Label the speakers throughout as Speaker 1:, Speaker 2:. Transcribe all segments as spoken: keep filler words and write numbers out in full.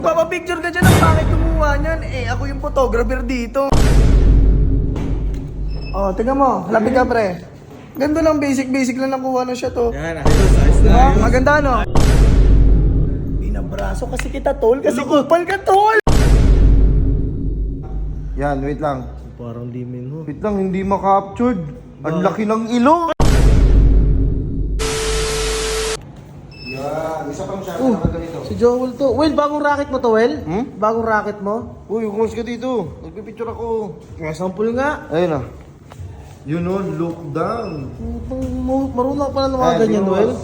Speaker 1: Papapicture ka dyan, ang bakit kumuha niyan? Eh, ako yung photographer dito. Oh, tingnan mo. Lapit ka, pre. Ganda lang, basic-basic lang nakuha na siya to.
Speaker 2: Yan, ayos, ayos na
Speaker 1: Diba?
Speaker 2: ayos.
Speaker 1: Maganda, no? Binabraso kasi kita, tol. Kasi kupal ka, tol.
Speaker 3: Yan, wait lang.
Speaker 2: Parang di minho.
Speaker 3: Wait lang, hindi ma-captured. Ang laki ng ilong. Yan, isa pang shot
Speaker 2: Oh,
Speaker 3: na ganito.
Speaker 2: si Joel to. Well, bagong racket mo to, Well?
Speaker 3: Hmm?
Speaker 2: Bagong racket mo?
Speaker 3: Uy, kumus ka dito. Nagpipicture ako.
Speaker 2: Nga, sample nga.
Speaker 3: Ayun ah. Yun o, look down.
Speaker 2: Putang mo, marunong ka pala ng mga
Speaker 3: Ay,
Speaker 2: ganyan,
Speaker 3: boss.
Speaker 2: Well.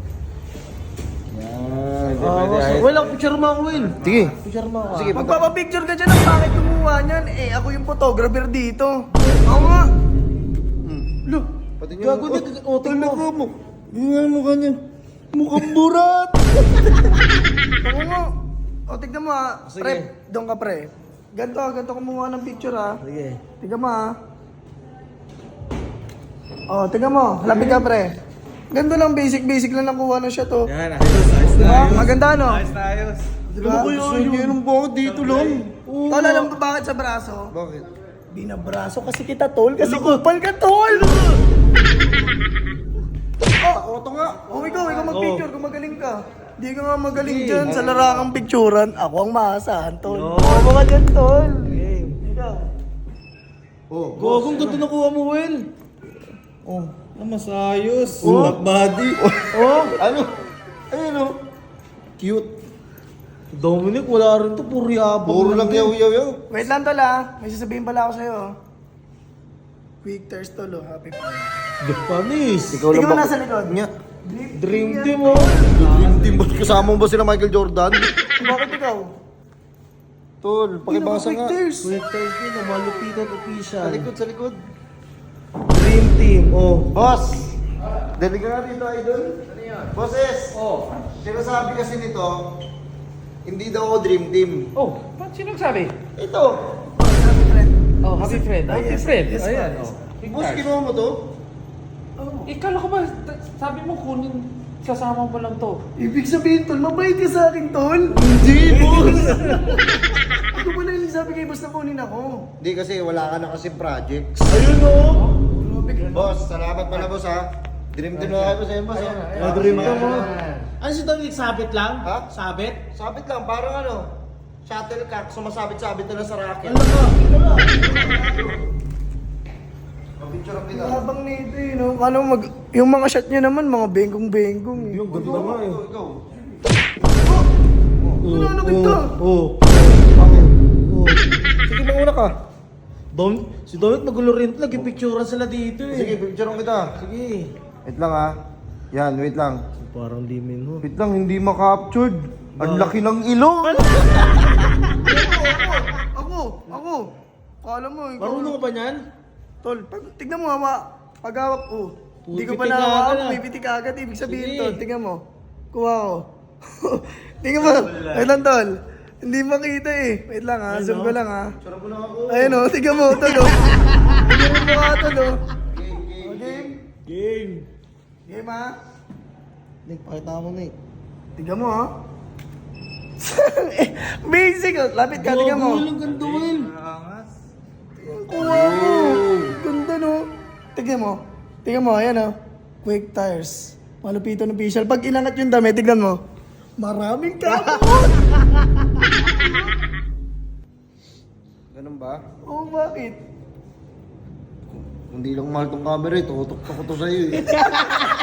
Speaker 3: Yan,
Speaker 2: Ah, so, well, ako, picture mo ako, Will.
Speaker 3: Sige.
Speaker 2: Picture mo ako.
Speaker 3: Sige,
Speaker 1: Magpapapicture ka dyan, ang bakit kumuha niyan? Eh, ako yung photographer dito. Ako nga.
Speaker 2: Look,
Speaker 3: Pati niyo.
Speaker 2: gago na, otik mo.
Speaker 3: Talaga mo. Yung nga mukha niya. Mukhang burat.
Speaker 1: Ako nga. O, tignan mo ha.
Speaker 2: Sige.
Speaker 1: Pre, doon ka, pre. Ganto, ganto kumuha ng picture ha.
Speaker 2: Sige.
Speaker 1: Tignan mo ha. Oh, tignan mo. Lapit ka, pre. Ganda lang, basic-basic lang nakuha na siya to.
Speaker 2: Yan, ayos, ayos na
Speaker 1: Diba?
Speaker 2: ayos.
Speaker 1: Maganda, no?
Speaker 2: Ayos na ayos.
Speaker 1: Diba?
Speaker 3: Ano kaya yun? Yun ang bakit dito lang?
Speaker 1: Tol, alam mo bakit sa braso?
Speaker 3: Bakit?
Speaker 1: Binabraso kasi kita, tol. Kasi kupal ka, tol.
Speaker 3: Oh, auto nga.
Speaker 1: Oh, ikaw, ikaw mag-picture kung magaling ka. Di ka nga magaling dyan sa larangang picturean. Ako ang maasahan, tol.
Speaker 2: No.
Speaker 1: Oo, mga dyan, tol.
Speaker 2: Game.
Speaker 1: Ikaw.
Speaker 3: Oh,
Speaker 2: Gagong ganda nakuha mo, Will.
Speaker 1: Oh.
Speaker 2: Ah, mas ayos. Oh. Black body.
Speaker 1: Oh.
Speaker 3: ano? Ayun o. Cute.
Speaker 2: Dominic, wala rin to. Puro yabang.
Speaker 3: Puro lang yaw yaw yaw.
Speaker 1: Wait lang, tol, ah. May sasabihin pala ako sa'yo. Quick thirst, tol, oh. Happy pa.
Speaker 2: The panis.
Speaker 3: Ikaw
Speaker 1: Tingnan mo
Speaker 3: ba-
Speaker 1: nasa likod.
Speaker 3: Nya.
Speaker 2: Dream team, oh.
Speaker 3: Dream team ba? Kasama mo ba sila Michael Jordan?
Speaker 1: Bakit ikaw?
Speaker 3: Tol, pakibasa nga.
Speaker 1: Quick thirst.
Speaker 2: Quick thirst yun, oh. Malupitan official.
Speaker 3: Sa likod, sa likod.
Speaker 2: Dream team, oh.
Speaker 3: Boss! Dali ka nga dito, idol. Ano yan? Bosses! Oh. Sinasabi kasi nito, hindi daw ako dream team.
Speaker 4: Oh, ba't sino nagsabi?
Speaker 3: Ito!
Speaker 1: Happy friend.
Speaker 4: Oh, happy friend.
Speaker 1: Ah,
Speaker 4: Happy
Speaker 1: yes,
Speaker 4: friend.
Speaker 1: yes,
Speaker 4: Ayan,
Speaker 1: yes.
Speaker 4: oh. Big
Speaker 3: Boss,
Speaker 4: card.
Speaker 3: kinuha mo to?
Speaker 1: Oh.
Speaker 4: Ikala ko ba, t- sabi mo kunin, sasama mo lang to.
Speaker 1: Ibig sabihin, tol, mabait ka sa akin, tol.
Speaker 3: Hindi, boss!
Speaker 1: Ito pala yung sabi kay boss na kunin ako.
Speaker 3: Hindi kasi wala ka na kasi projects.
Speaker 2: Ayun, oh.
Speaker 1: Grabe ka.
Speaker 3: Boss, salamat pala boss ha. Dream team na kayo sa iyo, boss. ha?
Speaker 2: Ah, dream team, oh. Ano si Dominic, sabit lang?
Speaker 3: Ha?
Speaker 2: Sabit?
Speaker 3: Sabit lang, parang ano, shuttlecock, sumasabit-sabit na lang sa racket.
Speaker 2: Ano ka?
Speaker 3: Picture ang kita.
Speaker 1: Habang nito eh, no? Kala mo mag... Yung mga shot niya naman, mga bengkong-bengkong eh.
Speaker 2: Yung ganda nga, eh.
Speaker 3: Ikaw, ikaw.
Speaker 1: Ano, ano kita?
Speaker 2: Oh.
Speaker 3: Bakit?
Speaker 2: Oh.
Speaker 3: Sige, mauna ka.
Speaker 2: Dom, si Dominic nagulo rin. Nag-picturean sila dito, eh.
Speaker 3: Sige, picture ang kita.
Speaker 2: Sige.
Speaker 3: Wait lang ha. Yan, wait lang.
Speaker 2: Parang di minho.
Speaker 3: Wait lang, hindi ma-captured. Ang laki ng ilong.
Speaker 1: Ako, ako. Kala mo, ikaw.
Speaker 2: Marunong ka ba niyan?
Speaker 1: Tol, pag, tignan mo hawa. Pag hawak ko. Hindi ko pa
Speaker 2: Pumipitik
Speaker 1: nahawak,
Speaker 2: agad, ah.
Speaker 1: pumipitik agad. Ibig sabihin,
Speaker 2: Sige.
Speaker 1: tol, tignan mo. Kuha ko. Tingnan mo. Wait lang, tol. Hindi makita eh. Wait lang ha, zoom ko lang ha.
Speaker 3: Sarap mo na ako.
Speaker 1: Ayun o, tignan mo, tol o. Tignan mo mukha, tol o.
Speaker 3: Game, game.
Speaker 1: Game.
Speaker 2: Game.
Speaker 1: Game ha.
Speaker 2: Nick, pakita mo, Nick.
Speaker 1: Tignan mo ha. Basic o. Lapit ka, tignan mo.
Speaker 2: Gago, ang ganda, Will.
Speaker 1: Kuha mo. Ganda no. Tignan mo. Tignan mo, ayan o. Quick tires. Malupitan official. Pag inangat yung dami, tignan mo. Maraming kapot.
Speaker 3: Ganun ba?
Speaker 1: Oo, bakit?
Speaker 3: Hindi lang mahal tong camera eh. Tutok ko to sa'yo eh.